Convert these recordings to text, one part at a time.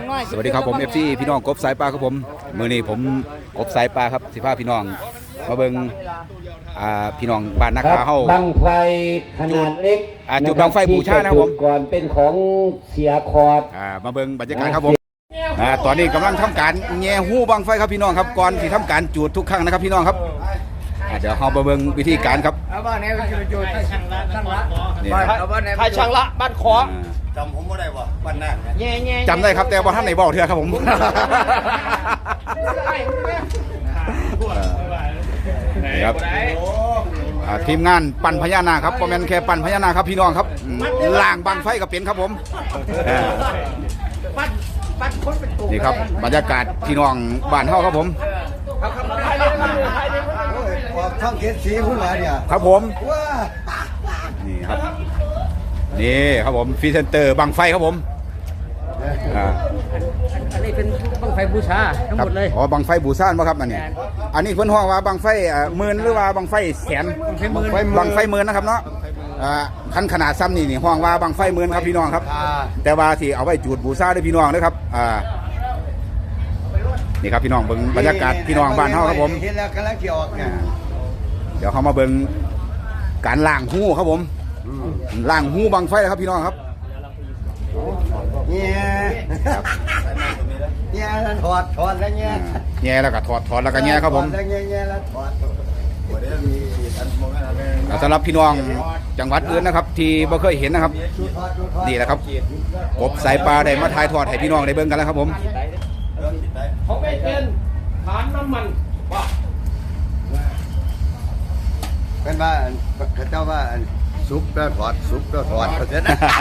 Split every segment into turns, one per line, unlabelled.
สวัสดีครับผมFCพี่น้องกบสายปลาครับผมมื้อนี้ผมกบสายปลาครับสิพาพี่น้องมาเบิ่งพี่น้องบ้านนาคาเฮา
บังไฟขนาดเล็ก
จุดบังไฟบูชานะครับผม
ก่อนเป็นของเสียคอร์ด
มาเบิ่งบรรยากาศครับผมตอนนี้กำลังทำการแง่หู้บังไฟครับพี่น้องครับก่อนที่ทำการจุดทุกครั้งนะครับพี่น้องครับเดี๋ยวเรามาเบิ่งวิธีการครับ
บ้านนี้จุดช่างละ
ใครช่างละบ้านขอ
จำผมไม่ได้ว่าบ้านนั่น
จำได้ครับแต่ว่าท่านไหนบอกเถอะครับผมครับทีมงานปั่นพญานาคครับคอมเมนต์แค่ปั่นพญานาคครับพี่น้องครับล่างบังไฟกับเป็นครับผมนี่ครับบรรยากาศพี่น้องบ้านเฮาครับผม
ช่องเกศสีพูดมาเนี่ย
ครับผมนี่ครับนี่ครับผมฟรีเซนเตอร์บังไฟครับผม
อันนี้เป็นบังไฟบูชาทั้งหมดเลย
อ๋อบังไฟบูชาป่ะครับอันนี้อันนี้เพิ่นฮ้องว่าบังไฟหมื่นหรือว่าบังไฟแสนบังไฟหมื่นนะครับเนาะคันขนาดซ้ำนี่ฮ้องว่าบังไฟหมื่นครับพี่น้องครับแต่ว่าที่เอาไว้จุดบูชาด้วยพี่น้องนะครับนี่ครับพี่น้องเบิ่งบรรยากาศพี่น้องบ้านเฮาครับผม
เห็นแล้วกำลังจะออกเนี่ย
เดี๋ยวเขามาเบิ่งการล่างหู้ครับผมล่างหู้บังไฟครับพี่น้องครับ
เนี่ยถอดแล้วเนี่ย
แง่แล้วก็ถอดแล้วก็แง่ครับผม
เนี่ยแล้วถอด
สำหรับพี่น้องจังหวัดอื่นนะครับที่บ่เคยเห็นนะครับนี่แหละครับกบสายปลาได้มาถ่ายทอดให้พี่น้องได้เบิ่งกันแล้วครับผม
เขาไม่เป็นฐานน้ำมันว่า
เป็นว่าเขาเจ้าว่าซุปแล้วถอดซุปแล้วถอดเขาเสร็จ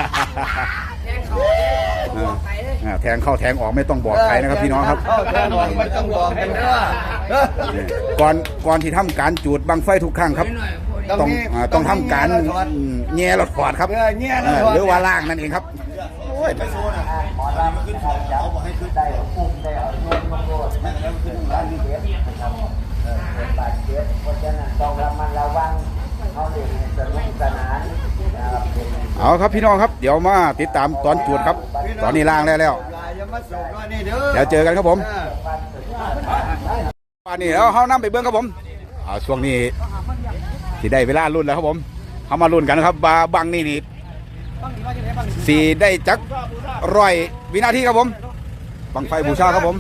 แทงเข้าแทงออกไม่ต้องบอกใครนะครับพี่น้องครับ
ไม่ต้องบอกกัน
ว่าก่อนที่ทำการจูดบังไฟทุกครั้งครับต้องทำการแง่หลอดถอดครับหรือว่าล่างนั่นเองครับเอาครับพี่น้องครับเดี๋ยวมาติดตามตอนจูดครับตอนนี้ล่างแล้วเดี๋ยวเจอกันครับผมวันนี้เรานำไปเบิ้งครับผมช่วงนี้ที่ได้เวลารุ่นแล้วครับผมเขามารุ่นกันครับบังนี่สี่ได้จัก100 วินาทีครับผมบังไฟบูชาครับผม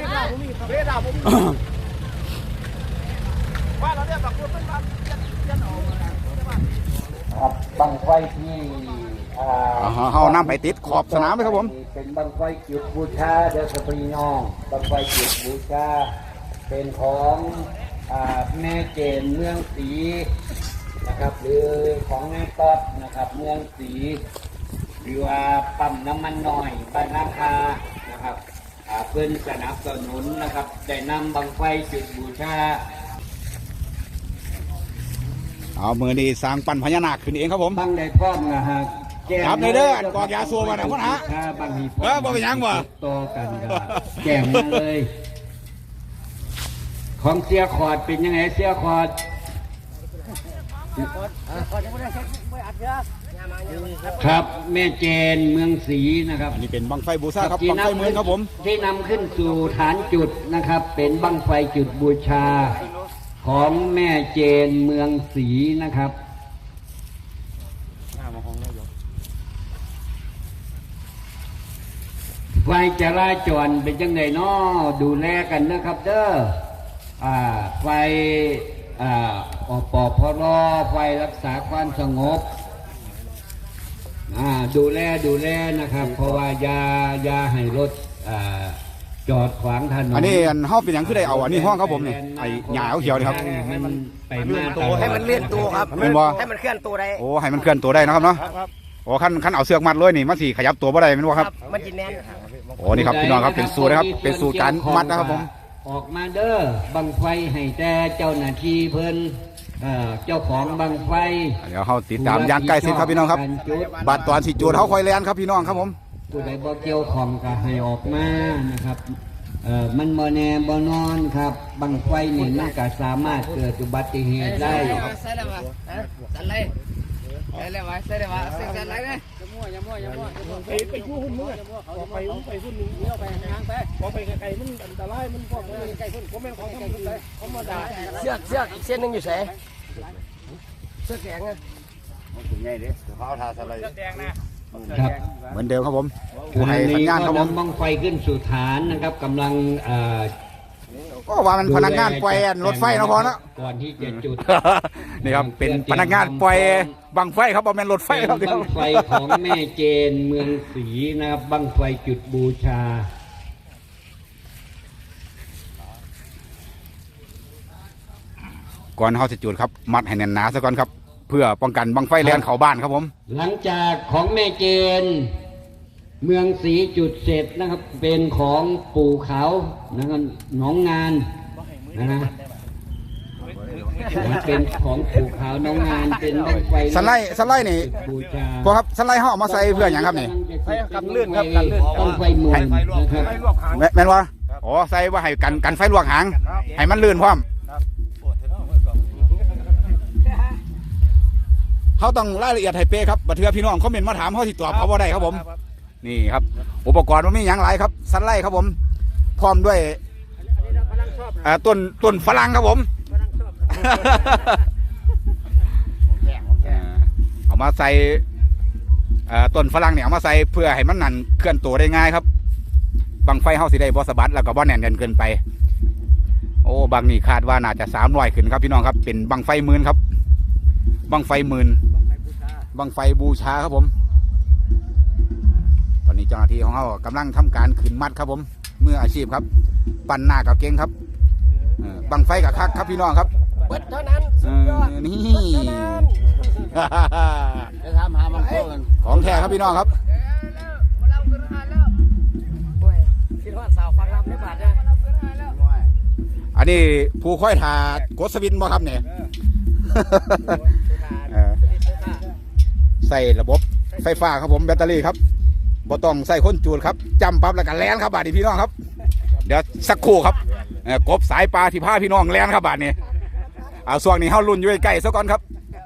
บังไฟที่
เขานำไปติดขอบสนามเลยครับผม
เป็นบังไฟจุดบูชาเดชปรีน้องบังไฟจุดบูชาเป็นของแม่เจนเมืองศรีนะครับหรือของแม่ต๊อดนะครับเมืองศรีหรือว่าปั๊มน้ำมันหน่อยบ้านนาคานะครับเพื่อนสนับสนุนนะครับได้นำบังไฟจุดบูชา
เอามือนี้สร้างปั่นพญานาคขึ้นเองครับผม
บังได้พร้อมนะฮะ
ครับในเด้อกอกยาสูบมาหน่อยพ่อฮะ
บังฮี
บ่เป็นยังบ่
ต่อกันครับแก่มาเลยของเสียขอดเป็นยังไงเสียขอดครับแม่เจนเมืองศรีนะครับ
อันนี้เป็นบังไฟบูชาครับบังไฟเมืองครับผม
ที่นำขึ้นสู่ฐานจุดนะครับเป็นบังไฟจุดบูชาของแม่เจนเมืองศรีนะครับไฟจราจรเป็นจังไงน้อดูแลกันนะครับเด้อไฟอปพรไฟรักษาความสงบดูแลนะครับเพราะว่ายาให้รถจอดขวางถนน
อันนี้ห้องเป็นอย่างที่ได้เอาอันนี้ห้องครับผมนี่ไอ้หญ้าเขียวนี่ครับ
ให้มันไปมา
ให้มันเลื่อนตัวครับให้มันเคลื่อนตัวได้
โอ้ให้มันเคลื่อนตัวได้นะครับเนาะโอ้ขั้นเอาเสือกมัดเลยนี่มันสิขยับตัวบ่ได้แม่นบ่ครับ
มันจิแน่น
โอ้นี่ครับพี่น้องครับเป็นสูตรนะครับเป็นสูตรการมัดนะครับผม
ออกมาเด้อบังไฟให้แต่เจ้าหน้าที่เพิ่นเจ้าของบังไฟ
เดี๋ยวเขาติดตามอย่างใกล้ชิดครับพี่น้องครับบัดตอนสิจูดเขาคอยแลนครับพี่น้องครับผม
ผู้ใดบ่เกี่ยวของก็ให้ออกมานะครับมันบ่แน่บ่นอนครับบังไฟนี่มันก็สามารถเกิดอุบัติเหตุได้
ใส่ได้ป่ะใส่เลยใส่ได้ป่ะใส่ได้ป่ะใส่ได้ป่ะไปคู่หุ่นมึงเขาไปหุ่นนึงเลี้ยวไปทางไปพอไปไกลมันอันตรายมันพวกไกลหุ่นผมแม่ของทำหุ่นไปเขามาด่าเสือกอีกเส้นนึงอยู่แสเสือกแข็งอ่ะ
ถึงไงดิเขาเอาทาสไลด์
ครับ
เหมือนเดิมครับผมผู้ให้สัญญาณครับผม
บังไฟขึ้นสู่ฐานนะครับกำลัง
ก็ว่ามันพนักงานปล่อยรถไฟนะพอนะ
ก่อนที่จะจุด
นี่ครับเป็นพนักงานปล่อยบังไฟครับบ่แม่นรถไฟ
เป็น
ครับ
บังไฟของแม่เจนเมืองศรีนะครับบังไฟจุดบูชา
ก่อนเฮาจะจุดครับมัดให้แน่นหนาซะก่อนครับเพื่อป้องกันบังไฟแล่นเข้าบ้านครับผม
หลังจากของแม่เจนเมืองศรีจุดเสร็จนะครับเป็นของปู่เขานะครับหนองงานนะเป็นของปู่เขาหนองงานเป็นบังไฟ
สไลด์นี่
บูชา
พอครับสไลด์เฮาเอามาใส่เพื่อหยังครับนี่
กันลื่นครับกันลื่นต้องไฟหมื่นนะครับ
แม่นว่าอ๋อใส่ว่าให้กันไฟลวกหางให้มันลื่นพร้อมเขาต้องรายละเอียดให้เป๊ะครับบัดเทื่อพี่น้องคอมเมนต์มาถามเขาสิตอบเขาบ่ได้ครับผมนี่ครับอุปกรณ์มันมีอย่างไรครับสไลด์ครับผมพร้อมด้วยต้นฝรั่งครับผมเอามาใส่ต้นฝรั่งเนี่ยเอามาใส่เพื่อให้มันนั่นเคลื่อนตัวได้ง่ายครับบังไฟเฮาสิได้บ่สะบัดแล้วก็บ่แน่นเกินไปโอ้บางนี่คาดว่าน่าจะ300ขึ้นครับพี่น้องครับเป็นบังไฟหมื่นครับบังไฟหมื่นบังไฟบูชาครับผมตอนนี้เจ้าหน้าที่ของเขากำลังทำการขึ้นมัดครับผมมืออาชีพครับปั่นหน้ากับเก่งครับบังไฟกับคักครับพี่น้องครับ
เปิดเท่านั้นสุดยอด
นี่
จะทำหามันโค้ง
ของแท้ครับพี่น้องครับ
คิดว่าสาวฟังรำไม่บาดนะ
อันนี้ผู้ค่อยถากดสวินบ่ครับเนี่ย ใส่ระบบไฟฟ้าครับผมแบตเตอรี่ครับบ่ต้องใส่คนจูดครับจำปั๊บแล้วก็แล่นครับบาดนี้พี่น้องครับเดี๋ยวสักครู่ครับกบสายปลาที่พาพี่น้องแล่นครับบาดนี้เอาส่วงนี้เฮารุ่นอยู่ใกล้ๆซะก่อนครับ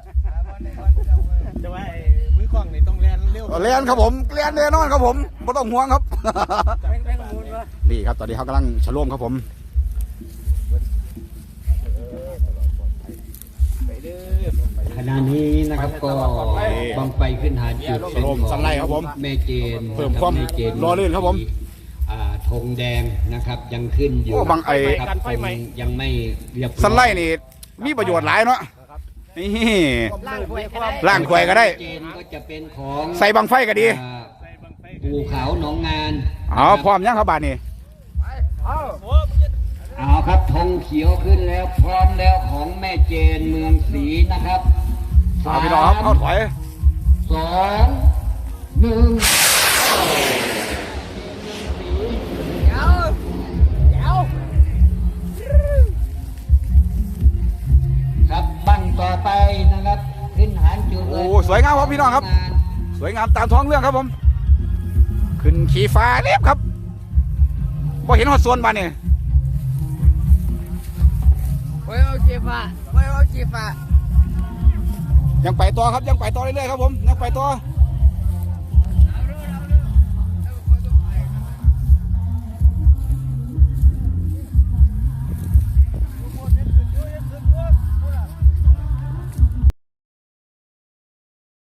จะว่ามือกล้องนี่ต้องแลนเร็ว
แล่นครับผมแล่นแน่นอนครับผมบ่ต้องห่วงครับ
แม่งมูลวะ
นี่ครับตอนนี้เขากำลังฉลองครับผม
ขณะนี้นะครับก็บังไฟขึ้นฐานจุดเป็นของแม่เจน
เพิ่มความรอลื่นครับผม
ธงแดงนะครับยังขึ้นอยู่
โอ้บังไอ้
ครับธงยังไม่เรียบร้อย
สไลด์นี่มีประโยชน์หลายเนาะนี่
ล่างหวยความ
ล่างถวยก็ได้
เจนก็จะเป็นของ
ใส่บังไฟก็ดี
ภูเขาหนองงาน
อ๋อพร้อมยังครับบาดนี้
เอาครับธงเขียวขึ้นแล้วพร้อมแล้วของแม่เจนเมืองศรีนะครับ
เอาพี่น้องครับเข้าถอย
2 1ครับบังต่อไปนะครับขึ้นฐานจุดเลย
โอ้สวยงามครับพี่น้องครับ สวยงามตามท้องเรื่องครับผม ขึ้นขี่ฟ้าเรียบครับพอเห็นหอดส่วนบาดนี่
ไว้เอาจีฟ้าไว้เอาจีฟ้า
ยังไปต่อครับยังไปต่อเรื่อยๆครับผมยังไปต่อ